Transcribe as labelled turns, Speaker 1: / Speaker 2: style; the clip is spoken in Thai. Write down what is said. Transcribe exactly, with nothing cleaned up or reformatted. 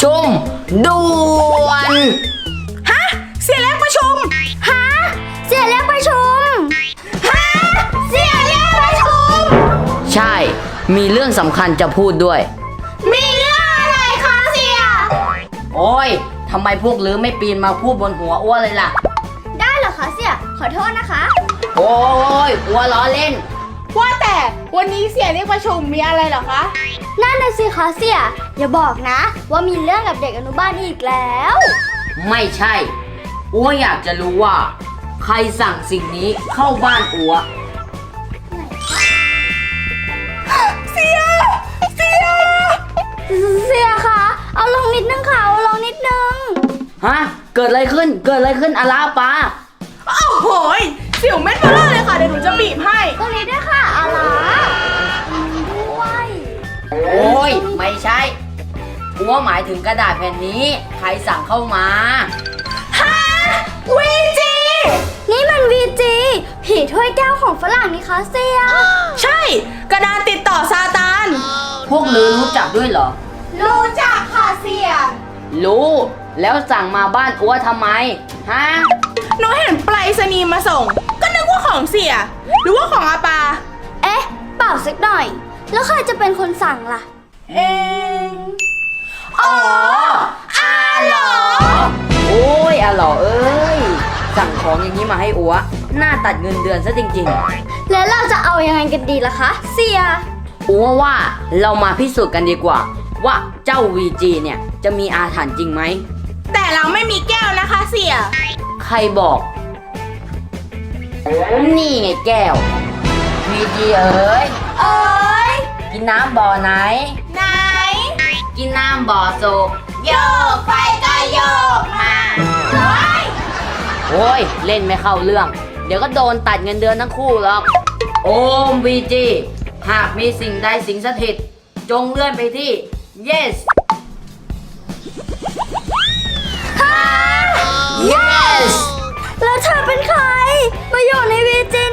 Speaker 1: ชุมด่วน
Speaker 2: ฮะเสียเรียกประชุมฮะเสียเรียกประชุมฮะเสียเรียกประชุม
Speaker 1: ใช่มีเรื่องสำคัญจะพูดด้วย
Speaker 2: มีเรื่องอะไรคะเสีย
Speaker 1: โอ้ยทำไมพวกลือไม่ปีนมาพูดบนหัวอ้วนเลยล่ะ
Speaker 2: ได้เหรอคะเสียขอโทษนะคะ
Speaker 1: โอ้ยอ้วนล้อเล่น
Speaker 3: ว่าแต่วันนี้เสียเรียกประชุมมีอะไรเหรอคะ
Speaker 2: นั่นน่ะสิคะเสียอย่าบอกนะ ว่ามีเรื่องกับเด็กอนุบาลอีกแล้ว
Speaker 1: ไม่ใช่อ้วอยากจะรู้ว่า ใครสั่งสิ่งนี้เข้าบ้านอัว
Speaker 2: เสียเสียเสียคะเอาลงนิดนึงค่ะเอาลงนิดนึง
Speaker 1: ฮะ เกิดอะไรขึ้น เกิดอะไรขึ้นอาลาปา
Speaker 3: โอ้โหยสิวเม็ดเบลอเลยค่ะเดี๋ยวหนูจะบีบให้
Speaker 2: ตรงนี้ด้วยค่ะอาลาด้วย
Speaker 1: โอ้ยไม่ใช่อัวหมายถึงกระดาษแผ่นนี้ ใครสั่งเข้ามา
Speaker 2: วีจีนี่มันวีจีผีถ้วยแก้วของฝรั่งนี่คะเสีย
Speaker 3: ใช่กระดานติดต่อซาตาน
Speaker 1: พวกลือรู้จักด้วยเหรอ
Speaker 2: รู้จักค่ะเสีย
Speaker 1: รู้ แล้วสั่งมาบ้านอัวทำไม ฮะ
Speaker 3: หนูเห็นไปรษณีย์มาส่ง ก็นึกว่าของเสีย หรือว่าของอาปา
Speaker 2: เอ๊ะเปล่าสักหน่อย แล้วใครจะเป็นคนสั่งล่ะ
Speaker 3: เองอ๋ออาเหรอ
Speaker 1: โอ้ยอาหล่อเอ้ย สั่งของอย่างนี้มาให้อัวหน้าตัดเงินเดือนซะจริงๆ
Speaker 2: แล้วเราจะเอายังไงกันดีล่ะคะ เสีย
Speaker 1: อัวว่าเรามาพิสูจน์กันดีกว่า ว่าเจ้า วี จี เนี่ยจะมีอาถรรพ์จริงไหม
Speaker 3: แต่เราไม่มีแก้วนะคะเสีย
Speaker 1: ใครบอก นี่ไงแก้ว วี จี เอ๋ย
Speaker 2: เอ้ย
Speaker 1: กินน้ำบ่อไหน
Speaker 3: ไหน
Speaker 1: กินน้ำบ่อโศก
Speaker 3: โยกไปก็โยกมาเฮ้ย
Speaker 1: โอ้ย เล่นไม่เข้าเรื่อง เดี๋ยวก็โดนตัดเงินเดือนทั้งคู่หรอก โอม วี จี หากมีสิ่งใดสิงสถิต จงเลื่อนไปที่ yes yes
Speaker 2: แล้วเธอเป็นใคร มาอยู่ในวีจี